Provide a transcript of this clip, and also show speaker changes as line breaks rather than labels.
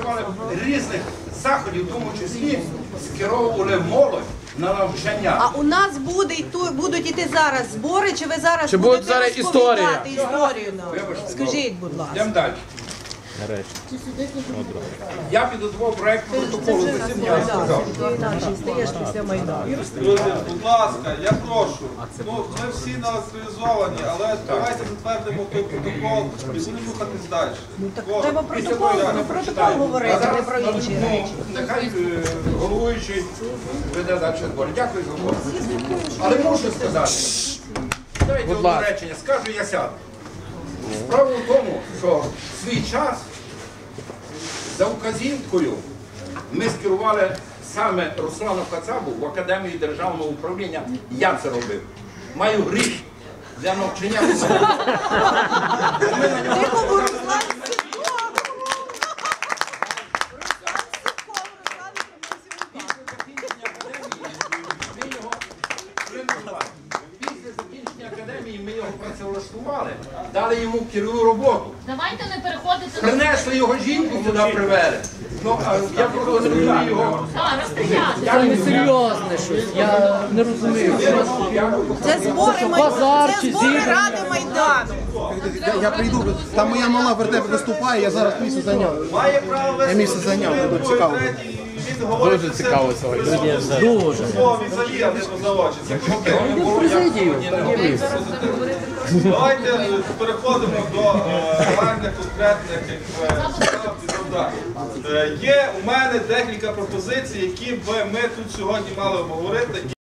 працювали різних заходів, в тому числі скеровували молодь на навчання.
А у нас будуть іти зараз збори, чи ви зараз
Чи буде зараз
розповідати історію нам? Скажіть, будь ласка.
Йдемо далі. Я підготував проєкт протоколу засідання, я сказав.
Друзі, будь ласка, я прошу. Ну, ми всі націоналізовані, але давайте затвердимо той протокол і будемо рухатись далі.
Треба протокол говорити, не про інші речі.
Нехай головуючий веде далі збори. Дякую за увагу. Але мушу сказати, дайте одне речення, скажу я сяду. Справа в тому, що в свій час за вказівкою ми скерували саме Руслану Кацабу в Академію державного управління. Я це робив. Маю гріх для навчання. Після закінчення академії ми його працевлаштували, дали йому керівну роботу.
Давайте не переходити до...
Принесли його жінку сюди, привели. Ну, а я просто не розумію його.
Це не серйозне щось, я не розумію.
Це збори Ради Майдану.
Я прийду, там моя мала вертеп виступає, я зараз місце зайняв.
Має право вести.
Я місце зайняв, дуже цікаво.
Дуже цікаво сьогодні. Дуже.
Давайте переходимо до реальних конкретних завдань. Є у мене декілька пропозицій, які б ми тут сьогодні мали обговорити.